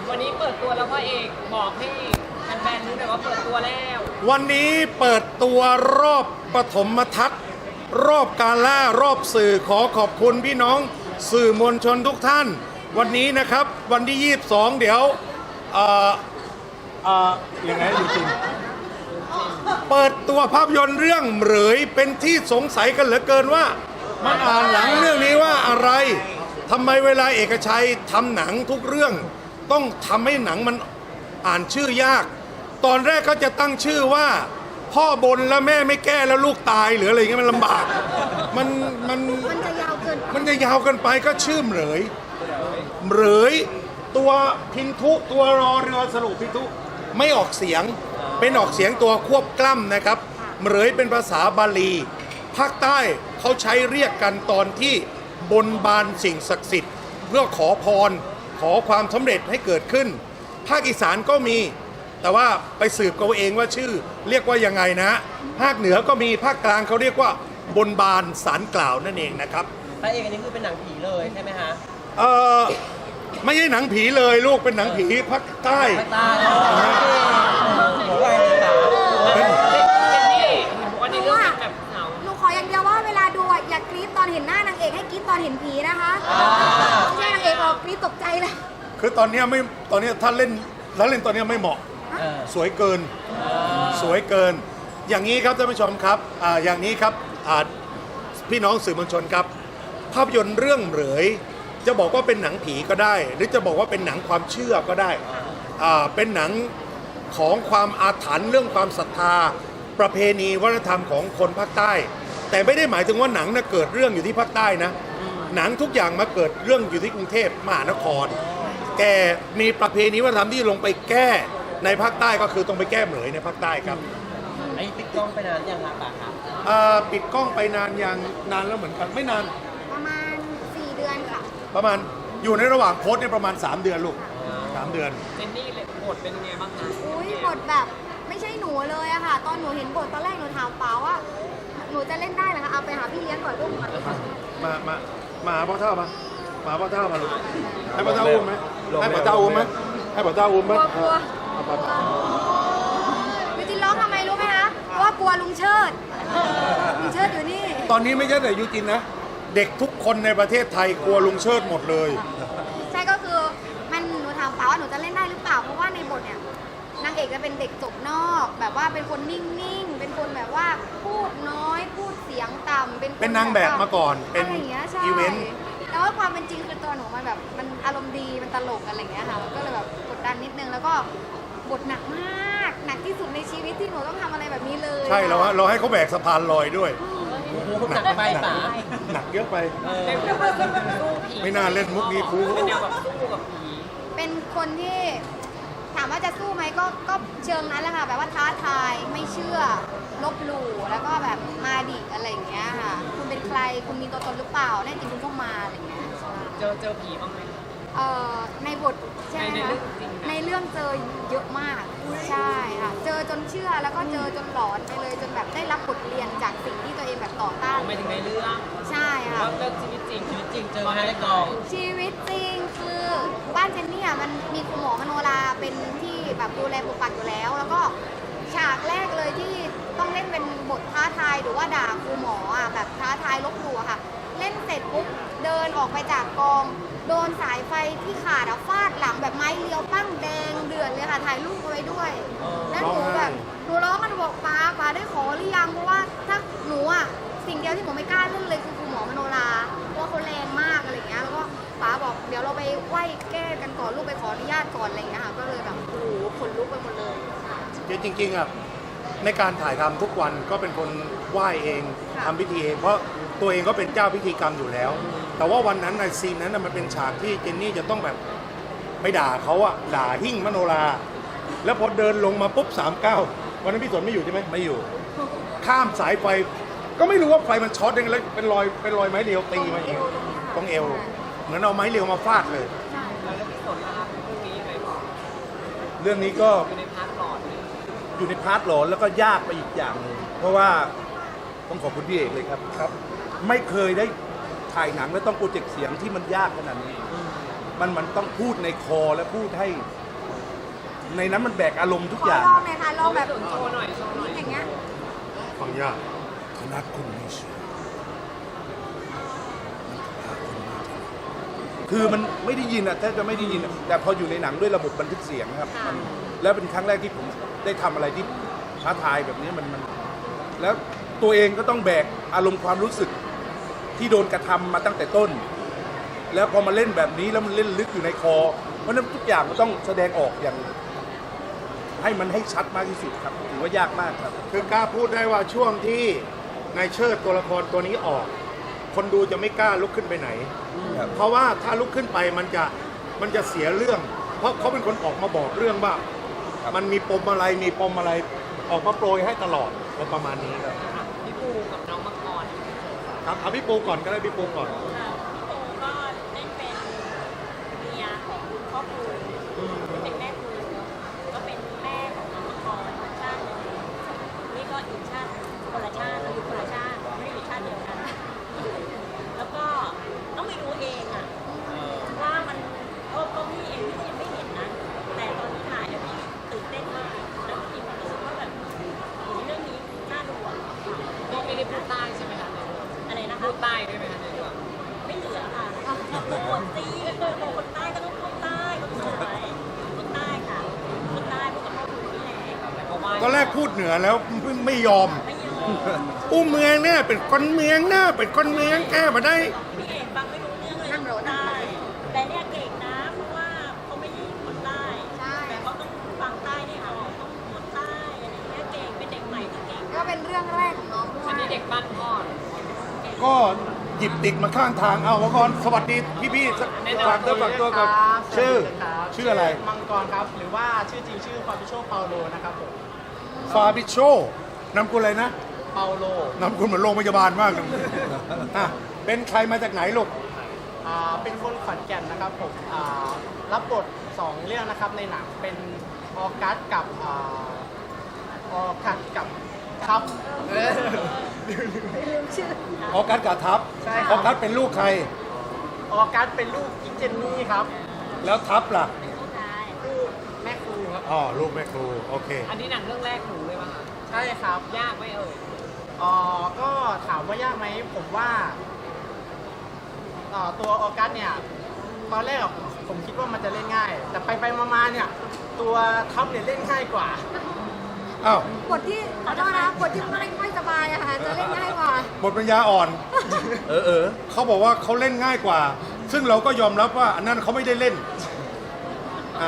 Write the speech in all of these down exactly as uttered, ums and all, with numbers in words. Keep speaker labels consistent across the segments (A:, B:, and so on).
A: วันนี้เปิดตัวแล้วพ่อเอกบอกให้แฟนๆรู้หน่อยว่าเปิดตัวแล้ว
B: วันนี้เปิดตัวรอบปฐมทัศน์รอบกาล่ารอบสื่อขอขอบคุณพี่น้องสื่อมวลชนทุกท่าน วันนี้นะครับวันที่ยี่สิบสองเดี๋ยวเอ่อเอ่อยังไงอยู่จริงเปิดตัวภาพยนตร์เรื่องเหรยเป็นที่สงสัยกันเหลือเกินว่ามันอ่านหลังเรื่องนี้ว่าอะไรทำไมเวลาเอกชัยทำหนังทุกเรื่องต้องทำให้หนังมันอ่านชื่อยากตอนแรกก็จะตั้งชื่อว่าพ่อบนแล้วแม่ไม่แก้แล้วลูกตายหรืออะไรเงี้ยมันลำบากมันมัน
C: มันจะยาวเกิน
B: มันจะยาวเกันไปก็ชื่อเหรยเหรยตัวพินทุตัวรอเรือสรุปพินทุไม่ออกเสียงเป็นออกเสียงตัวควบกล้ำนะครับเหรยเป็นภาษาบาลีภาคใต้เขาใช้เรียกกันตอนที่บนบานสิ่งศักดิ์สิทธิ์เพื่อขอพรขอความสำเร็จให้เกิดขึ้นภาคอีสานก็มีแต่ว่าไปสืบกันเองว่าชื่อเรียกว่ายังไงนะภาคเหนือก็มีภาคกลางเขาเรียกว่าบนบานสารกล่าวนั่นเองนะครับ
A: พระเอกอันนี้คือเป็นหนังผีเลยใช่ไหมฮะ
B: เออไม่ใช่หนังผีเลยลูกเป็นหนังผีภาคใต้
A: ตาหัวไวเลยค่ะเจนนี่วันนี้เรื่องแบบเหงา
C: หนูขออย่างเดียวว่าเวลาดูอ่ะอย่ากรี๊ดตอนเห็นหน้านางเอกให้กรี๊ดตอนเห็นผีนะคะไม่ใช่นางเอกออกกรี๊ดตกใจเลย
B: คือตอนเนี้ยไม่ตอนเนี้ยถ้าเล่นถ้าเล่นตอนเนี้ยไม่เหมาะสวยเกินสวยเกิน อย่างนี้ครับท่านผู้ชมครับอ่าอย่างนี้ครับอ่าพี่น้องสื่อมวลชนครับภาพยนตร์เรื่องเหรยจะบอกว่าเป็นหนังผีก็ได้ หรือจะบอกว่าเป็นหนังความเชื่อก็ได้อ่าเป็นหนังของความอาถรรพ์เรื่องความศรัทธาประเพณีวัฒนธรรมของคนภาคใต้ แต่ไม่ได้หมายถึงว่าหนังน่ะเกิดเรื่องอยู่ที่ภาคใต้นะหนังทุกอย่างมาเกิดเรื่องอยู่ที่กรุงเทพมหานครแกมีประเพณีวัฒนธรรมที่ลงไปแก้ในภาคใต้ก็คือต้องไปแก้เหมยในภาคใต้ครับ
A: ไอ้ปิดกล้องไปนานยังครับป่ะครับ
B: อ่าปิดกล้องไปนานยังนานแล้วเหมือนกันไม่นาน
C: ประมาณสี่เดือนค่ะ
B: ประมาณอยู่ในระหว่างโพสต์เนี่ยประมาณสามเดือนลูกสามเดือน
A: เจนนี่เลยบทเป็นยังไงบ้างคะ
C: อุ้ยบทแบบไม่ใช่หนูเลยอะค่ะ ตอนหนูเห็นบทตอนแรกหนูถามเปล่าว่าหนูจะเล่นได้เหรอคะเอาไปหาพี่เลี้ยงก่อนลูกก่อน
B: มามามาหาพ่อเท่ามามาหาพ่อเท่ามาลูกให้พ่อเท่าอุ้มไหมให้พ่อเท่าอุ้มไหมให้พ่อเท่าอุ้มไหม
C: กลัวกลัว
B: เอาพ่อเท่า
C: ยูจินร้องทำไมรู้ไหมคะเพราะว่ากลัวลุงเชิดลุงเชิดอยู่นี่
B: ตอนนี้ไม่ใช่แต่ยูจินนะเด็กทุกคนในประเทศไทยกลัวลุงเชิดหมดเลย
C: ใช่ก็คือมันหนูถามเปล่าว่าหนูจะเล่นได้หรือเปล่าเพราะว่าในบทเนี่ยนางเอกจะเป็นเด็กจบนอก แบบว่าเป็นคนนิ่งๆเป็นคนแบบว่าพูดน้อยพูดเสียงต่ำเป็นค
B: เป็นนางแบบมาก่อนเป็น
C: อะไรอย่างเงี้ยใช่
B: อีเวนต์
C: แล้วว่าความเป็นจริงคือตัวหนูมันแบบมันอารมณ์ดีมันตลกอะไรอย่างเงี้ยค่ะมันก็เลยแบบกดดันนิดนึงแล้วก็บทหนักมากหนักที่สุดในชีวิตที่หนูต้องทำอะไรแบบนี้เลย
B: ใช่เราเราให้เขาแบกสะพานลอยด้วย
A: หนักไปป่ะ
B: หนักเยอะไป
A: เล่นแบบสู้ผี
B: ไม่น่าเล่นมุกนี้ครู
A: เป็นแนวแบบสู้กับผี
C: เป็นคนที่ถามว่าจะสู้ไหมก็ก็เชิงนั้นแหละค่ะแบบว่าท้าทายไม่เชื่อลบหลู่แล้วก็แบบมาดิอะไรอย่างเงี้ยค่ะคุณเป็นใครคุณมีตัวตนหรือเปล่าแน่จริงคุณก็มาอะไรอย่างเงี้ย
A: เจอเจอผีบ้างไหม
C: เอ่อในบทใช่ไหม
A: ใน
C: คะ
A: เรื่องจริงนะ
C: ในเรื่องเจอเยอะมากใช่ค่ะเจอจนเชื่อแล้วก็เจอจนหลอนไปเลยจนแบบได้รับบทเรียนจากสิ่งที่ตัวเองแบบต่อต้าน
A: ไม่ถึงในเรื่อง
C: ใช่ค่ะ
A: แล้วเรื่องชีวิตจริงชีวิตจริงเจอมาในกอง
C: ชีวิตจริงคือบ้านเจนนี่อ่ะมันมีคุณหมอมโนราเป็นที่แบบดูแลปกปักอยู่แล้ว แล้วก็ฉากแรกเลยที่ต้องเล่นเป็นบทท้าทายหรือว่าด่าครูหมออ่ะแบบท้าทายลบหลู่อะค่ะ เล่นเสร็จปุ๊บเดินออกไปจากกอง โดนสายไฟที่ขาดอะฟาดหลังแบบไม้เลี้ยวปั้งแดงเดือดเลยค่ะถ่ายรูปเอาไว้ด้วย แล้วหนูแบบหนูร้องกันบอกป้าป้าได้ขอหรือยังเพราะว่าถ้าหนูอ่ะสิ่งเดียวที่หนูไม่กล้าเล่นเลยคือครูหมอมโนราเพราะว่าเขาแรงมากอะไรอย่างเงี้ยแล้วก็ป้าบอกเดี๋ยวเราไปไหว้แก้กันก่อนลูกไปขออนุญาตก่อนอะไรอย่างเงี้ยค่ะก็เลยแบบโอ้โหขนลุกไปหมดเลย
B: จริงๆอ่ะในการถ่ายทำทุกวันก็เป็นคนไหว้เองทำพิธีเองเพราะตัวเองก็เป็นเจ้าพิธีกรรมอยู่แล้ว แต่ว่าวันนั้นในซีนนั้นน่ะมันเป็นฉากที่เจนนี่จะต้องแบบไปด่าเขาอะด่าหิ้งมโนรา แล้วพอเดินลงมาปุ๊บสามเก้าวันนั้นพี่สนไม่อยู่ใช่ไหมไม่อยู่ ข้ามสายไฟก็ไม่รู้ว่าไฟมันช็อตยังไงแล้วเป็นรอยเป็นรอยไม้เรียวตีมาเองตรงเอวเหมือนเอาไม้เรียวมาฟาดเลย
A: แล้วพี่สนนะครับเรื่องนี้ยังไงบ้าง
D: เรื่องนี้ก็
A: อยู่ในพาร์ทหลอดเลย
D: อยู่ในพาร์ทหลอนแล้วก็ยากไปอีกอย่างหนึงเพราะว่าต้องขอบคุณพี่เอกเลยครับครับ ไม่เคยได้ถ่ายหนังแล้วต้องโปรเจกต์เสียงที่มันยากขนาดนี้ มมันมันต้องพูดในคอและพูดให้ ในนั้นมันแบกอารมณ์ทุก
C: ขอ
D: อย่าง
C: ลองหน่อยค่ะลองแบบ
A: โชว์หน่อยโชว์หน่อย
C: อย่างเงี้ย
B: ฟังยากคณะคุณไม่เชื่อ
D: คือมันไม่ได้ยินอ่ะแทบจะไม่ได้ยินอะแต่พออยู่ในหนังด้วยระบบบันทึกเสียงนะครับมันแล้วเป็นครั้งแรกที่ผมได้ทำอะไรที่ท้าทายแบบนี้มันมัน แล้วตัวเองก็ต้องแบกอารมณ์ความรู้สึกที่โดนกระทำมาตั้งแต่ต้น แล้วพอมาเล่นแบบนี้แล้วมันเล่นลึกอยู่ในคอ เพราะฉะนั้นทุกอย่างมันต้องแสดงออกอย่าง ให้มันให้ชัดมากที่สุดครับถือว่ายากมากครับ
B: คือกล้าพูดได้ว่าช่วงที่นายเชิดตัวละครตัวนี้ออก คนดูจะไม่กล้าลุกขึ้นไปไหน
D: ครับ
B: เพราะว่าถ้าลุกขึ้นไปมันจะมันจะเสียเรื่อง เพราะเขาเป็นคนออกมาบอกเรื่องว่ามันมีปมอะไรมีปมอะไรออกมาโปรยให้ตลอดประมาณนี้ครับ
A: พี่ปูกับน้องมังกร
B: ครับเอาพี่ปูก่อนก็ได้พี่ปูก่อน
E: ค่ะพี่โตก็เล่นเป็นเมียของคุณพ่อครูเป็นแม่ครูก็เป็นแม่ของน้องมังกรอีกชาติหนึ่งนี่ก็อีกชาติคนละชาติเราอยู่คนละชาติไม่ได้อยู่ชาติเดียวกัน แล้วก็ต้องไปดูเองอะว่ามันก็ก็พี่เองพี่ก็ยังไม่เห็นนะ แต่ตอนที่ถ่ายเนี่ยพี่ตื่นเต้นมากแล้วพี่มีความรู้สึกว่าแบบโอ้ยเรื่องนี้น่าดูอะ
A: พี่ไม่ได้พูดใต้ใช่ไหมคะ
E: อะไรนะคะ
A: พูดใต้ด้วยไหมคะในเรื่อง
E: ไม่เหลือค่ะคนตีคนใต้ก็ต้องคนใต้คนสวยคนใต้ค่ะคนใต้พวกกับพ่อคุณนี่แหละ
A: แต่ก็ว่า
B: ตอนแรกพูดเหนือแล้วไม่ไม่ยอม
E: ไม่ยอม
B: อู้เมืองเนี่ยเป็นคนเมืองเนี่ยเป็นคนเมืองแก้มาได้
E: พี่เอกฟังไม่รู้เรื่องเลย
C: นั่งรถ
E: ใต้แต่เนี่ยเก่งนะเพราะว่าเขาไม่ใช่คนใต้
C: ใช่
E: แต่เขาต้องฟังใต้ได้ออกต้องพูดใต้อะไรอย่างเงี้ยเก่งเป็นเด็กใหม่ที่เก่ง
C: ก็เป็นเรื่องแรกของน้องด้ว
A: อัน
C: ย
A: นี้เด็กบ้านพ่อ
B: ก็หยิบติดมาข้างทางเอาวะก่อนสวัสดีพี่ๆฝากตัวฝากตัวกับชื่อ ชื่ออะไร
F: มังกรครับ หรือว่าชื่อจริงชื่อฟาบิโชเปาโลนะครับผม
B: ฟาบิโชนำกุลอะไรนะ
F: เปาโล
B: นำกุลเหมือนโรงพยาบาลมากเลยอ่ะเป็นใครมาจากไหนลูก
F: อ่าเป็นคนขอนแก่นนะครับผมอ่ารับบทสองเรื่องนะครับในหนังเป็นออกัสกับอ่าออกัสกับครับเออ
B: ออกัสกับทัพ
F: ใช่ครับ
B: ออกัสเป็นลูกใคร
F: ออกัสเป็นลูกกิ๊กเจนนี่ครับ
B: แล้วทัพล่ะ
F: ลูกแม่ครูครับ
B: อ๋อลูกแม่ครูโอเค
A: อันนี้หนังเรื่องแรกหนูเลยป่ะคะ
F: ใช่ครับ
A: ยากไหมเอ่ย
F: อ๋อก็ถามว่ายากไหมผมว่าอ่าตัวออกัสเนี่ยตอนแรกอะผมผมคิดว่ามันจะเล่นง่าย แต่ไปไปๆมาๆเนี่ยตัวทัพเนี่ยเล่นง่ายกว่า
B: อ้าว
C: บทที่ขอโทษนะบทที่ไม่ไม่สบายอะค่ะจะเล่นง่ายกว่า
B: บทปัญญาอ่อน
D: เออเออ
B: เขาบอกว่าเขาเล่นง่ายกว่า ซึ่งเราก็ยอมรับว่าอันนั้นเขาไม่ได้เล่นอ่า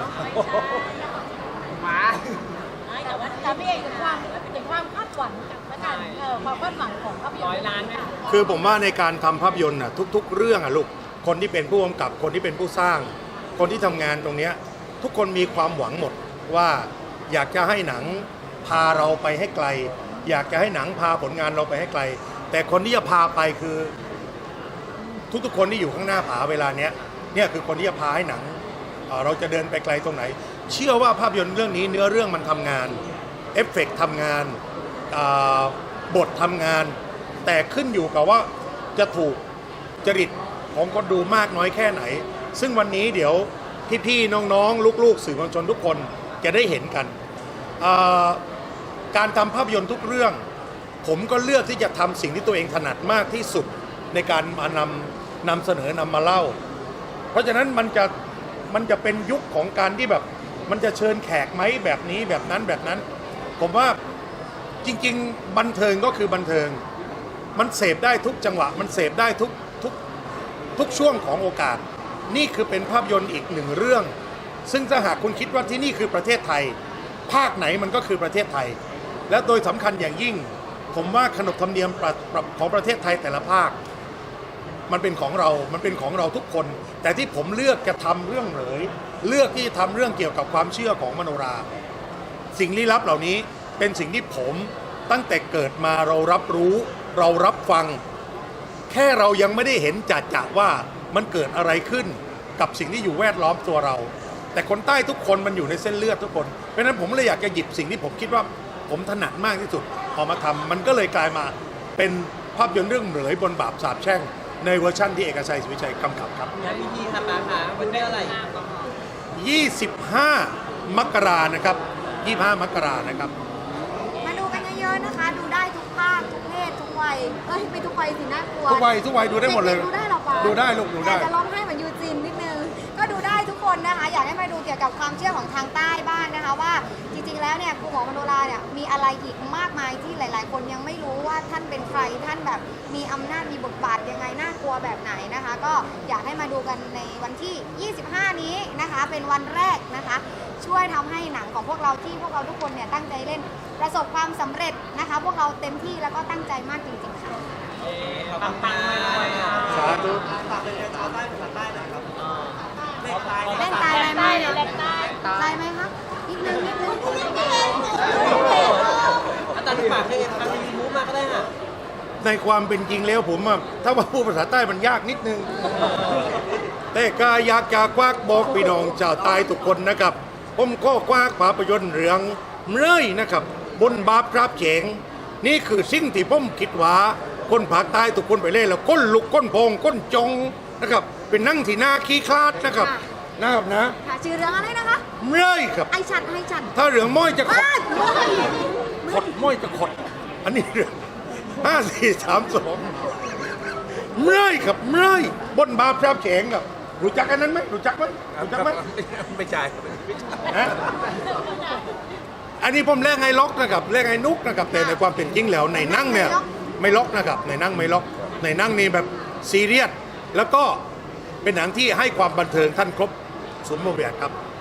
F: มา
E: แต่ว่าแต่พี่เอกถึงความถึงความคาดหวังและกันเออความคาดหวังของภาพยนตร์
A: ร้อยล้านไหม
B: คือผมว่าในการทำภาพยนตร์น่ะทุก ๆ เรื่องอ่ะลูกคนที่เป็นผู้กำกับคนที่เป็นผู้สร้าง คนที่ทำงานตรงเนี้ยทุกคนมีความหวังหมดว่าอยากจะให้หนังพาเราไปให้ไกล อยากจะให้หนังพาผลงานเราไปให้ไกล แต่คนที่จะพาไปคือ ทุกๆคนที่อยู่ข้างหน้าผาเวลาเนี้ยเนี่ยคือคนที่จะพาให้หนังเอ่อเราจะเดินไปไกลตรงไหน เชื่อว่าภาพยนตร์เรื่องนี้เนื้อเรื่องมันทำงานเอฟเฟกต์ทำงานอ่าบททำงาน แต่ขึ้นอยู่กับว่าจะถูกจริตของคนดูมากน้อยแค่ไหน ซึ่งวันนี้เดี๋ยวพี่ๆน้องๆลูกๆสื่อมวลชนทุกคนจะได้เห็นกันอ่าการทำภาพยนตร์ทุกเรื่อง ผมก็เลือกที่จะทำสิ่งที่ตัวเองถนัดมากที่สุดในการมานำนำเสนอนำมาเล่า เพราะฉะนั้นมันจะมันจะเป็นยุคของการที่แบบมันจะเชิญแขกไหมแบบนี้แบบนั้นแบบนั้น ผมว่าจริงๆบันเทิงก็คือบันเทิง มันเสพได้ทุกจังหวะ มันเสพได้ทุกทุกทุกช่วงของโอกาส นี่คือเป็นภาพยนตร์อีกหนึ่งเรื่อง ซึ่งถ้าหากคุณคิดว่าที่นี่คือประเทศไทย ภาคไหนมันก็คือประเทศไทย และโดยสำคัญอย่างยิ่ง ผมว่าขนบธรรมเนียมประประของประเทศไทยแต่ละภาค มันเป็นของเรา มันเป็นของเราทุกคน แต่ที่ผมเลือกจะทำเรื่องเหลย เลือกที่จะทำเรื่องเกี่ยวกับความเชื่อของมโนรา สิ่งลี้ลับเหล่านี้เป็นสิ่งที่ผมตั้งแต่เกิดมาเรารับรู้ เรารับฟัง แค่เรายังไม่ได้เห็นจัดจะว่ามันเกิดอะไรขึ้นกับสิ่งที่อยู่แวดล้อมตัวเรา แต่คนใต้ทุกคนมันอยู่ในเส้นเลือดทุกคน เพราะฉะนั้นผมเลยอยากจะหยิบสิ่งที่ผมคิดว่าผมถนัดมากที่สุดออกมาทำมันก็เลยกลายมาเป็นภาพยนตร์เรื่องเหลยบนบาปสาปแช่งในเวอร์ชั่นที่เอกชัยศรีวิชัยกำกับครับ
A: งานพิธีค่ะป้าค่ะวันที่อะไร
B: ยี่สิบห้า มกรานะครับยี่สิบห้า มกรานะครับ
C: มาดูกันเยอะๆนะคะ ดูได้ทุกภาคทุกเพศทุกวัยเอ้ยไม่ทุกวัยสิน่ากลัว
B: ทุกวัยทุกวัยดูได้หมดเลย
C: ดูได้หรอปะ
B: ดูได้ลูกดูได้
C: แต่จะร้องไห้เหมือนยูจินนิดนึงก็ดูได้ทุกคนนะคะ อยากให้มาดูเกี่ยวกับความเชื่อของทางใต้บ้างนะคะ ว่าจริงๆแล้วเนี่ยครูหมอมโนราเนี่ยมีอะไรอีกมากมายที่หลายๆ คนยังไม่รู้ว่าท่านเป็นใครท่านแบบมีอำนาจมีบทบาทยังไงน่ากลัวแบบไหนนะคะ ก็อยากให้มาดูกันในวันที่ ยี่สิบห้า นี้นะคะ เป็นวันแรกนะคะ ช่วยทำให้หนังของพวกเราที่พวกเราทุกคนเนี่ยตั้งใจเล่นประสบความสำเร็จนะคะ พวกเราเต็มที่แล้วก็ตั้งใจมากจริงๆค่ะ
A: ปังปังๆเลยอ่ะ
B: สาธุ
C: เล่นตายไหม
E: ใต้เลยแหลกใต้
C: ตายไหมคะนิดนึงนิดนึง
A: อาจารย์ฝากให้ทางมีมูฟมาก็ได้ค่ะ
B: ในความเป็นจริงแล้วผมอะถ้าว่าพูดภาษาใต้มันยากนิดนึง แต่ก็อยากจะควักบอกพี่น้องชาวใต้ทุกคนนะครับ ผมก็ควักภาพยนตร์เรื่องเมื่อยนะครับ บนบาปครับเฉงนี่คือสิ่งที่ผมคิดว่าคนภาคใต้ทุกคนไปเล่นแล้วก้นลุกก้นพองก้นจงนะครับ เป็นนั่งที่หน้าขี้คลาดนะครับนะครับนะ
C: ค่ะชื่อเรื่องอะไรนะคะ
B: เมื่อยครับ
C: ไอชัดไอชัด
B: ถ้าเรื่องม้อยจะขด
C: บ้านเฮ้ย
B: ขดม้อยจะขด อันนี้เรื่องห้าสี่สามสองเมื่อยครับเมื่อยบนบาปครับเฉงครับรู้จักอันนั้นไหมรู้จักไหมรู้จักไหม
D: ไม่ใช่
B: ฮะอันนี้ผมเรียกไงล็อกนะครับเรียกไงนุกนะครับแต่ในความเป็นจริงแล้วในนั่งเนี่ยไม่ล็อกนะครับในนั่งไม่ล็อกในนั่งนี่แบบซีเรียสแล้วก็เป็นหนังที่ให้ความบันเทิงท่านครบสมบูรณ์แบบครับ